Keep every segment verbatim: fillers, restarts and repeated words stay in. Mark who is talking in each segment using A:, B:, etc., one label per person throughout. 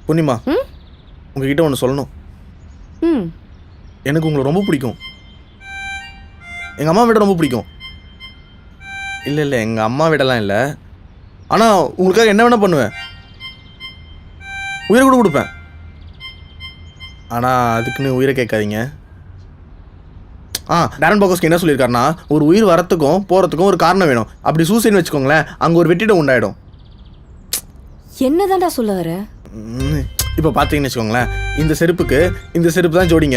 A: பூர்ணிமா உங்ககிட்ட ஒன்று சொல்லணும்.
B: ம்
A: எனக்கு உங்களை ரொம்ப பிடிக்கும். எங்கள் அம்மா விட ரொம்ப பிடிக்கும். இல்லை இல்லை எங்கள் அம்மா விடலாம் இல்லை. ஆனால் உங்களுக்காக என்ன வேணால் பண்ணுவேன். உயிரை கூட கொடுப்பேன். ஆனால் அதுக்குன்னு உயிரை கேட்காதீங்க. ஆ டேரன் பாக்கோஸ்க்கு என்ன சொல்லியிருக்காருன்னா, ஒரு உயிர் வரத்துக்கும் போகிறதுக்கும் ஒரு காரணம் வேணும். அப்படி சூசைன்னு வச்சுக்கோங்களேன், அங்கே ஒரு வெற்றிடம் உண்டாயிடும்.
B: என்னதான்டா சொல்ல வர?
A: இப்போ பார்த்தீங்கன்னு வச்சுக்கோங்களேன், இந்த செருப்புக்கு இந்த செருப்பு தான் ஜோடிங்க.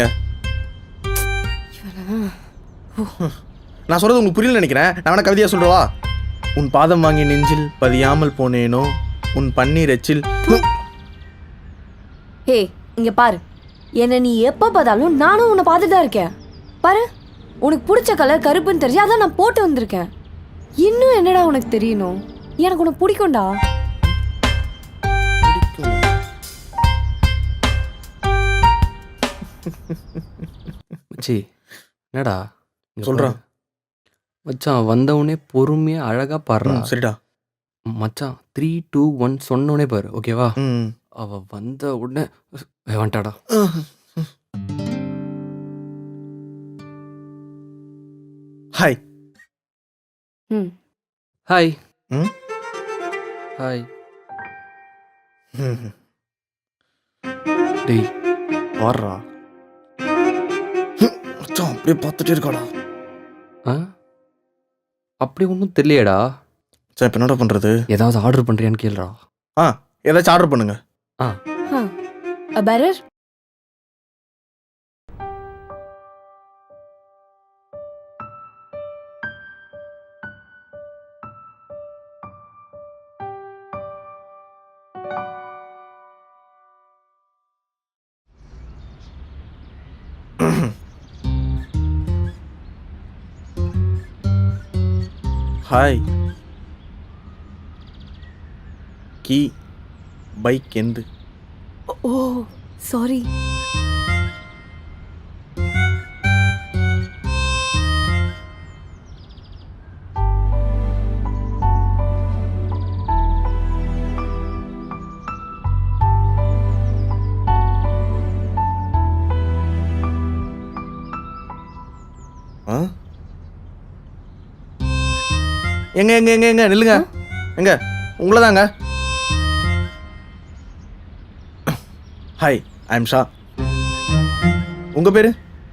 A: நான் சொல்கிறது உங்களுக்கு புரியல நினைக்கிறேன். நான் வேணா கவிதையாக சொல்கிறவா? உன் பாதம் வாங்கி நெஞ்சில் பதியாமல் போனேனோ உன் பன்னீர் எச்சில்.
B: ஹே இங்க பாரு, என்ன நீ எப்ப பார்த்தாலும் நானும் உன்னை பார்த்துட்டு தான் இருக்கேன். பாரு, உனக்கு பிடிச்ச கலர் கருப்புன்னு தெரிஞ்சு அதான் நான் போட்டு வந்திருக்கேன். இன்னும் என்னடா உனக்கு தெரியணும்? எனக்கு உனக்கு பிடிக்கும்டா.
C: மச்சி என்னடா
A: சொல்கிறான்
C: மச்சான், வந்தவுடனே பொறுமையாக அழகாக பாடுறான்.
A: சரிடா
C: மச்சான், த்ரீ டூ ஒன் சொன்னோடனே பாரு, ஓகேவா?
A: ம்
C: அவ வந்த உடனே வந்துட்டாடா.
A: ஹாய்.
B: ம்
C: ஹாய்.
A: ம்
C: ஹாய்.
A: ம்
C: டேய் பாடுறா.
A: மச்சான் அப்படியே பார்த்துட்டே இருக்காடா.
C: ஆ அப்படி ஒன்றும் தெரியலையேடா.
A: சார் இப்போ என்னடா பண்ணுறது?
C: ஏதாவது ஆர்டர் பண்ணுறியான்னு கேளுடா.
A: ஆ ஏதாச்சும் ஆர்டர் பண்ணுங்க.
C: ஆ
B: A better?
A: ஹாய். கீ பைக் எந்து.
B: Oh sorry.
A: ஆ எங்க எங்க எங்க எங்க நில்லுங்க. எங்க உங்களை தாங்க. Hi, I am Shah. உங்கள் பேர்?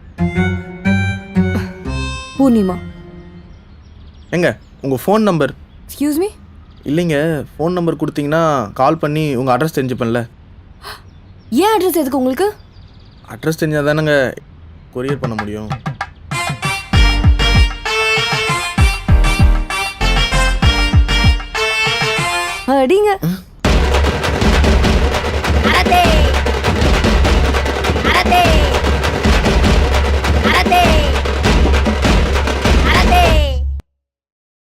B: பூர்ணிமா.
A: எங்க உங்கள் ஃபோன் நம்பர்?
B: Excuse me?
A: இல்லைங்க, ஃபோன் நம்பர் கொடுத்தீங்கன்னா கால் பண்ணி உங்கள் அட்ரஸ் தெரிஞ்சுப்பேன்ல.
B: ஏன் அட்ரஸ் எதுக்கு உங்களுக்கு?
A: அட்ரஸ் தெரிஞ்சால் தானேங்க கொரியர் பண்ண முடியும்.
B: அடிங்க.